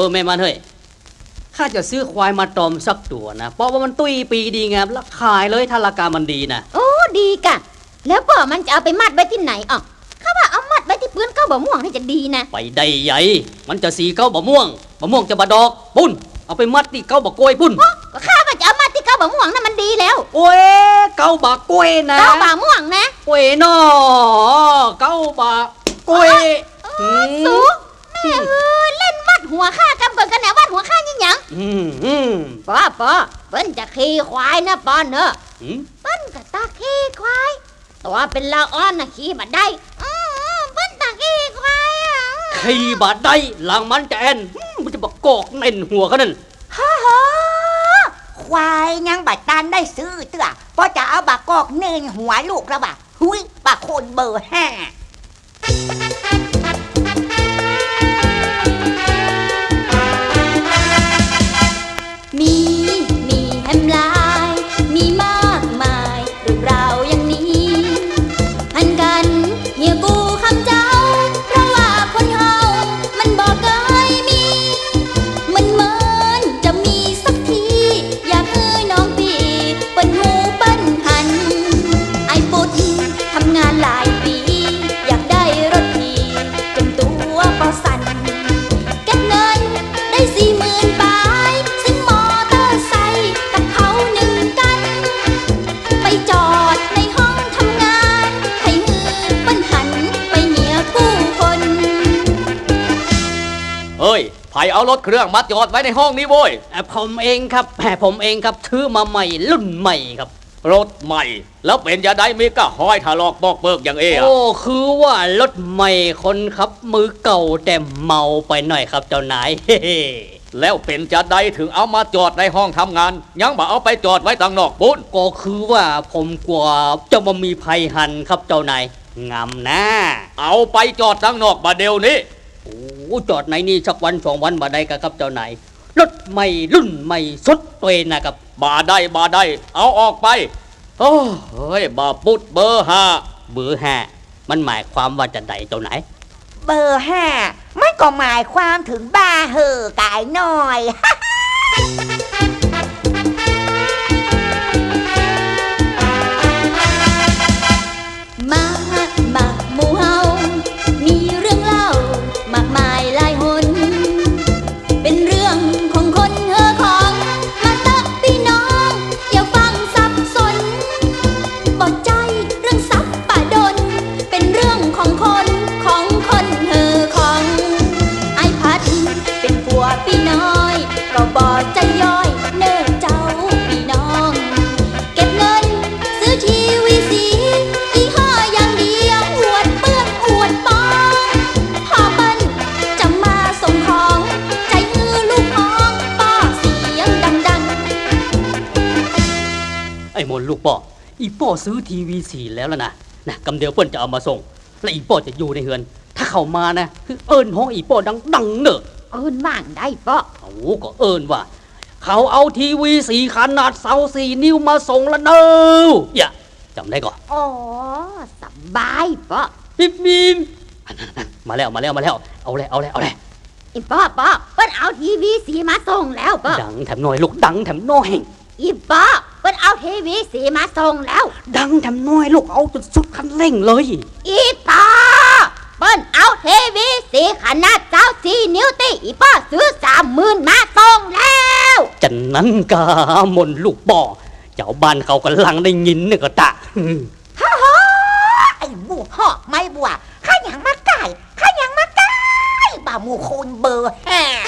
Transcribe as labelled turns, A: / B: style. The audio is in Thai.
A: แม่มันเฮ้ยข้าจะซื้อควายมาตอมสักตัวนะเพราะว่ามันตุ้ยปีดีงามแล้วขายเลยถ้าราคามันดีนะ
B: โอ้ดีกะแล้วป่อมันจะเอาไปมัดไว้ที่ไหนอ่ะข้าว่าเอามัดไว้ที่ปืนเก้าบ่ม่วงนี่จะดีนะ
A: ไปได้ใหญ่มันจะสีเก้าบ่ม่วงจะบะดอกปุ้นเอาไปมัดที่เก้าบ่กล้วยปุ้น
B: ก็ข้าว่าจะเอามัดที่เก้าบ่ม่วงนั่นมันดีแล้ว
A: โอ้ยเก้าบ่กล้วยนะ
B: เก้าบ่ม่วงนะ
A: กล้วยนอเก้าบ่กล้วย
B: สูแม่เล่นวัดหัวข้ากำก่อนกันแหนวัดหัวข้ายิ่งหยังป้อเปิ้นจะขี่ควายนะป้อนเนอะเปิ้นก็ตาขี่ควายตัวเป็นละอ่อนนะขี่บัดได้เปิ้นตาขี่ควายอ่ะ
A: ขี่บัดได้หลังมันจะแอนมันจะบอกกอกเน่นหัวเขานั่น
C: ฮ่าควายยังบัดตันได้ซื้อเตื้อเพราะจะเอาบักกอกเน่นหัวลูกแล้วบ่ะหุยบักคนเบอร์5
B: มีแฮมลายมีมากมายเรื่องราวอย่างนี้หันกันเฮียกูคำเจ้าเพราะว่าคนเฮามันบอกเคยมีมันเหมือนจะมีสักทีอยากให้น้องพี่เปิ้นหูเปิ้นหันไอ้ปุดทำงานหลายปีอยากได้รถทีจนตัวก็สั่นเก็บเงินได้40,000 บาทซึ่งมอเตอร์ไซค์กับเขาหนึ่งกันไปจอดในห้องทำงานให้มือเปิ้นหันไปเหียกู้คน
A: เฮ้ยไผเอารถเครื่องมาจอดไว้ในห้องนี้โว้ยผมเองครับถือมาใหม่รุ่นใหม่ครับรถใหม่แล้วเป็นจะได้มีก็ห้อยถลอกบอกเบิกอย่างโอ้คือว่ารถใหม่คนครับมือเก่าแต่เมาไปหน่อยครับเจ้านายแล้วเป็นจะได้ถึงเอามาจอดในห้องทำงานยังบ่เอาไปจอดไว้ต่างนอกปุ้นก็คือว่าผมกลัวจะมามีภัยหันครับเจ้านายงำนะเอาไปจอดต่างนอกบ่เดี๋ยวนี้โอ้จอดไหนนี่สักวัน2 วันบ่ได้ครับเจ้านายรถใหม่รุ่นใหม่สุดตัวนะครับบ่ได้เอาออกไปโอ้เฮ้ยบ่ปุดเบอร์5มันหมายความว่าจะใดเจ้าไหน
C: เบอร์5มันก็หมายความถึงบ้าเหอกายหน่อย
B: มาหมู่เฮามีเรื่องเล่ามากมายหลายหนเป็นเรื่องของคนของมาเตอะพี่น้องอย่าฟังสับสนบ่ใจเรื่องสับป่าดนเป็นเรื่องของคนของไอ้พัดเป็นผัวพี่น้อยก็บ่ใจย่อยเนิ่นเจ้าพี่น้องเก็บเงินซื้อทีวีสียี่ห้ออย่างเดียวอวดเปื้อนอวดปองพ่อเปิ้นจะมาส่งของใจมือลูกน้องป้อเสียงดัง
A: ไอ้มนลูกป้ออีป้อซื้อทีวี4แล้วนะกำเดียวเปิ้นจะเอามาส่งและอีป้อจะอยู่ในเฮือนถ้าเข้ามานะคือเอิญห้องอีป้อดังเนอะ
B: เอิญว่างได้ป้อ
A: โอ้ก็เอิญว่าเขาเอาทีวี4ขนาด24 นิ้วมาส่งแล้วเนอะอย่าจำได้ก่อน
B: อ๋อสบายป้อ
A: ปิ๊บมาแล้วเอาเลย
B: อีป้อเปิ้นเอาทีวี4มาส่งแล้วป้อ
A: ดังแถมน้อยลูกดังแถมน้อย
B: อีป้อเปิ้นเอาทีวี4มาส่งแล้ว
A: ดังแถมน้อยลูกเอาจนสุดคันเร่งเลย
B: อีป้อเปิ้นเอาทีวี4ขนาด24 นิ้วติอีป้อซื้อ30,000มาส่งแล้ว
A: จันนั้นกามนลูกป้อเจ้าบ้านเขากำลังได้ยินเนี่ยก็ตะ
C: ฮ่าไอ้หมูหอกไม่บัวข้ายังมาไก่บ่าหมูคนเบอร์5